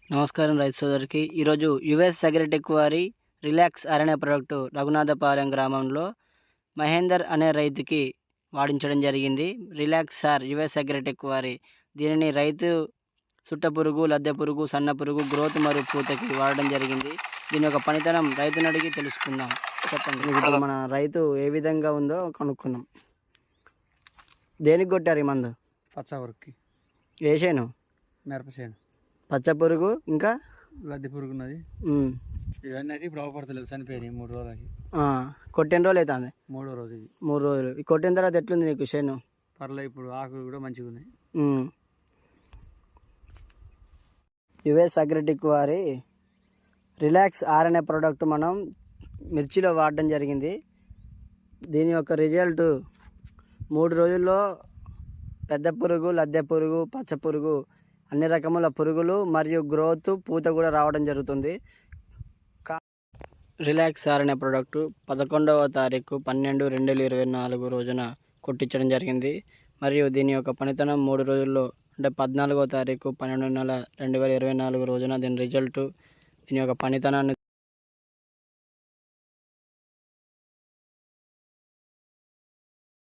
నమస్కారం రైతు సోదరికి. ఈరోజు యుఎస్ అగ్రిటెక్ వారి రిలాక్స్ అనే ప్రోడక్టు రఘునాథపాలెం గ్రామంలో మహేందర్ అనే రైతుకి వాడించడం జరిగింది. రిలాక్స్ యుఎస్ అగ్రిటెక్ వారి దీనిని రైతు సుట్టపురుగు, లద్దె పురుగు, సన్న పురుగు, గ్రోత్ మరియు పూతకి వాడడం జరిగింది. దీని యొక్క పనితనం రైతుని అడిగి తెలుసుకుందాం. చెప్పండి, ఇప్పుడు మన రైతు ఏ విధంగా ఉందో కనుక్కుందాం. దేనికి కొట్టారు ఈ మందు? పచ్చవరకి ఏ చేను? మిరపచేను. పచ్చ పురుగు ఇంకా లద్దె పురుగు ఉన్నది. ఇవన్నీ అయితే ఇప్పుడు అవపడతలేవు, చనిపోయినాయి 3 రోజులకి. కొట్టిన రోజులు అవుతుంది? 3వ రోజు ఇది. 3 రోజులు. ఈ కొట్టిన తర్వాత ఎట్లుంది నీకు చేను? పర్లేదు, ఇప్పుడు ఆకులు కూడా మంచిగా ఉన్నాయి. యుఎస్ అగ్రిటెక్ వారి రిలాక్స్ అనే ప్రోడక్ట్ మనం మిర్చిలో వాడడం జరిగింది. దీని యొక్క రిజల్ట్ 3 రోజుల్లో పెద్ద పురుగు, లద్దె పురుగు, పచ్చ పురుగు, అన్ని రకముల పురుగులు మరియు గ్రోత్, పూత కూడా రావడం జరుగుతుంది. రిలాక్స్ అనే ప్రోడక్టు 11వ తారీఖు 12/2024 రోజున కొట్టించడం జరిగింది. మరియు దీని యొక్క పనితనం 3 రోజుల్లో, అంటే 14వ తారీఖు 12/2024 రోజున దీని రిజల్ట్, దీని యొక్క పనితనాన్ని